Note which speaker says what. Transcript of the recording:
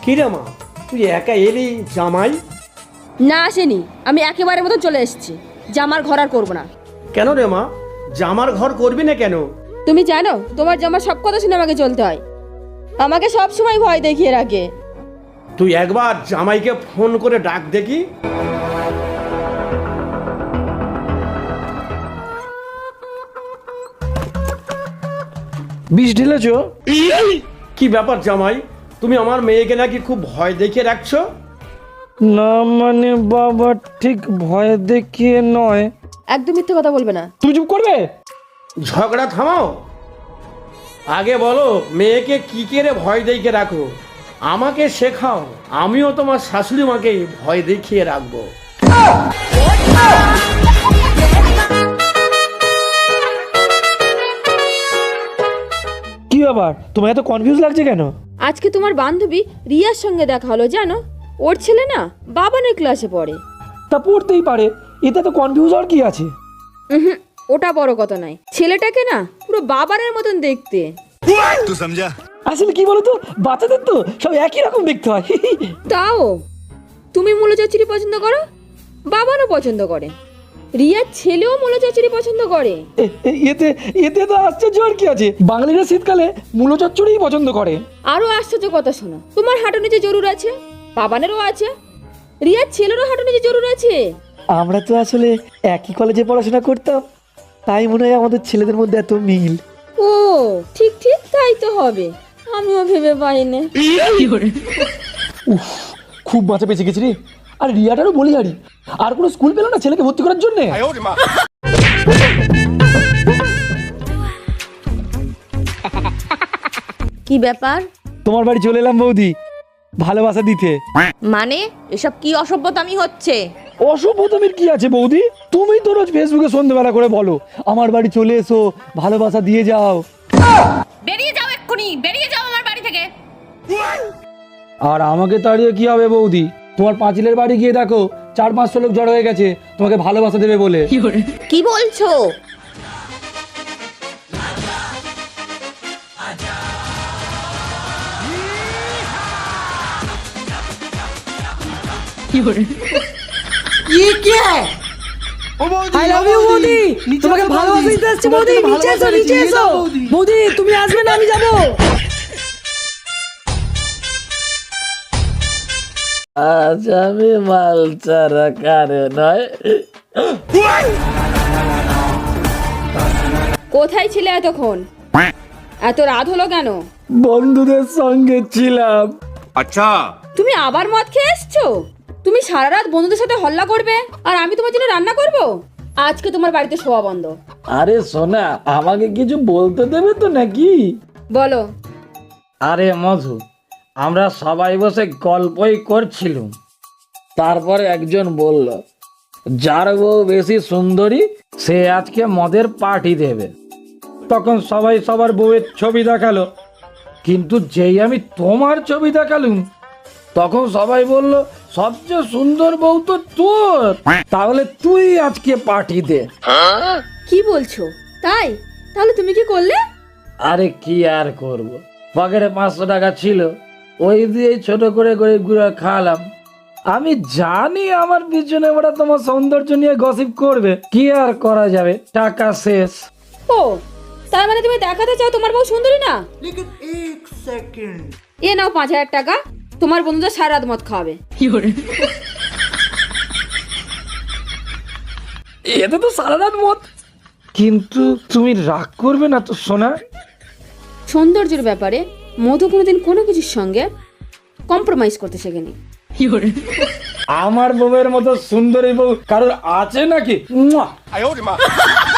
Speaker 1: কিরে মা, তুই একা এলি জামাই?
Speaker 2: না আসেনি, আমি একেবারে মতো চলে এসেছি। জামার ঘর আর করবো না।
Speaker 1: কেন রে মা, জামার ঘর করবি না কেন?
Speaker 2: তুমি জানো তোমার জামার সব কথা শুনে আমাকে চলতে হয়। আমাকে সব সময় ভয় দেখিয়ে রাখে।
Speaker 1: তুই একবার জামাইকে ফোন করে ডাক দেখি।
Speaker 3: বিষ ঢেলেছ?
Speaker 1: কি ব্যাপার জামাই, তুমি আমার মেয়েকে নাকি খুব ভয় দেখিয়ে রাখছো?
Speaker 3: না মানে বাবা, ঠিক ভয় দেখিয়ে নয়।
Speaker 2: একদম মিথ্যে কথা বলবে না।
Speaker 3: তুমি চুপ করবে?
Speaker 1: ঝগড়া থামাও। আগে বলো মেয়েকে কি করে ভয় দেখিয়ে রাখো, আমাকে শেখাও। আমিও তোমার শাশুড়ি মাকে ভয় দেখিয়ে রাখবো।
Speaker 3: কি ব্যাপার, তোমার এত কনফিউজ লাগছে কেন?
Speaker 2: আজকে তোমার বান্ধবী রিয়ার সঙ্গে দেখা হলো জানো। ওর ছেলে না বাবানের ক্লাসে পড়ে।
Speaker 3: তা পড়তেই পারে, এতে তো কনফিউজ আর কি আছে?
Speaker 2: ওটা বড় কথা নয়, ছেলেটাকে না পুরো বাবানের মতন দেখতে।
Speaker 4: तू समझा?
Speaker 3: আসলে কি বলতো, বাচ্চাদের তো সব একই রকম দেখতে হয়।
Speaker 2: তাও তুমি মূলো চচ্চড়ি পছন্দ করো, বাবানও পছন্দ করে, রিয়ার ছেলেও মূলো চচ্চড়ি পছন্দ করে।
Speaker 3: এতে এতে তো আশ্চর্য আর কি আছে, বাঙালিরা শীতকালে মূলো চচ্চড়িই পছন্দ করে।
Speaker 2: আরো আশ্চর্য কথা শোনো, তোমার হাঁটু নিচে জরুর আছে, বাবানেরও আছে, রিয়ার ছেলেরও হাঁটু নিচে জরুর আছে।
Speaker 3: আমরা তো আসলে একই কলেজে পড়াশোনা করতাম, তাই মনে হয় আমাদের ছেলেদের মধ্যে এত মিল।
Speaker 2: ও ঠিক ঠিক তাই তো হবে, আমিও ভেবে পাইনি।
Speaker 3: উফ, খুব বাঁচা বেঁচে গেছি রে। আর রিয়াটারও বলি হারি, আর কোনো স্কুল পেল না ছেলেকে ভর্তি করার জন্য।
Speaker 2: কি ব্যাপার?
Speaker 3: তোমার বাড়ি চলে এলাম বৌদি, ভালোবাসা দিতে।
Speaker 5: মানে এসব কি অসভ্যতামি হচ্ছে?
Speaker 3: অসভ্যতামির কি আছে বৌদি? তুমি তো রোজ ফেসবুকে সন্ধ্যেবেলা করে বলো আমার বাড়ি চলে এসো, ভালোবাসা দিয়ে যাও।
Speaker 5: বেরিয়ে যাও, এক্ষুনি বেরিয়ে যাও আমার বাড়ি থেকে।
Speaker 3: আর আমাকে তাড়িয়ে কি হবে বৌদি? তোমার পাঁচিলের বাড়ি গিয়ে দেখো, 4-500 লোক জড়ো হয়ে গেছে তোমাকে ভালোবাসা দেবে বলে।
Speaker 5: কি বলছো?
Speaker 6: আই লাভ ইউ বৌদি, তোমাকে ভালোবাসা দিতে আসছে বৌদি। নিচে এসো, নিচে এসো বৌদি, তুমি আসবে না আমি যাবো।
Speaker 3: আজ আমি মাল ছাড়া কারে নয়।
Speaker 2: কোথায় ছিলে এতক্ষণ? এত রাত হলো কেন?
Speaker 3: বন্ধুদের সঙ্গে ছিলাম।
Speaker 2: তুমি আবার মদ খেয়ে এসছো? তুমি সারা রাত বন্ধুদের সাথে হল্লা করবে আর আমি তোমার জন্য রান্না করব? আজকে তোমার বাড়িতে শোয়া বন্ধ।
Speaker 3: আরে সোনা, আমাকে কিছু বলতে দেবে তো নাকি?
Speaker 2: বলো।
Speaker 3: আরে মধু, আমরা সবাই বসে গল্পই করছিলাম, তারপরে একজন বলল যার বউ বেশি সুন্দরী সে আজকে মদের পার্টি দেবে। তখন সবাই সবার বউয়ের ছবি দেখালো, কিন্তু যেই আমি তোমার ছবি দেখালুম তখন সবাই বলল সবচেয়ে সুন্দর বউ তো তোর, তাহলে তুই আজকে পার্টি দে।
Speaker 2: কি বলছো? তাই? তাহলে তুমি কি করলে?
Speaker 3: আরে কি আর করব, পকেটে 500 টাকা ছিল, ওই দিয়ে ছোট করে গরিব গুঁড়া খাওয়ালাম। আমি জানি আমার পিছনে ওরা তোমার সৌন্দর্য নিয়ে গসিপ করবে, কি আর করা যাবে, টাকা শেষ।
Speaker 2: ও তার মানে তুমি দেখাতে চাও তোমার বউ সুন্দরী না? এ নাও 5000 টাকা, তোমার বন্ধুদের সারা রাত মদ খাওয়াবে।
Speaker 3: এতে তো সারা রাত মত। কিন্তু তুমি রাগ করবে না তো সোনা?
Speaker 2: সৌন্দর্যের ব্যাপারে মধু কোনোদিন কোনো কিছুর সঙ্গে কম্প্রোমাইজ করতে শেখেনি।
Speaker 3: আমার বউয়ের মতো সুন্দরী বউ কারোর আছে নাকি? মুয়া।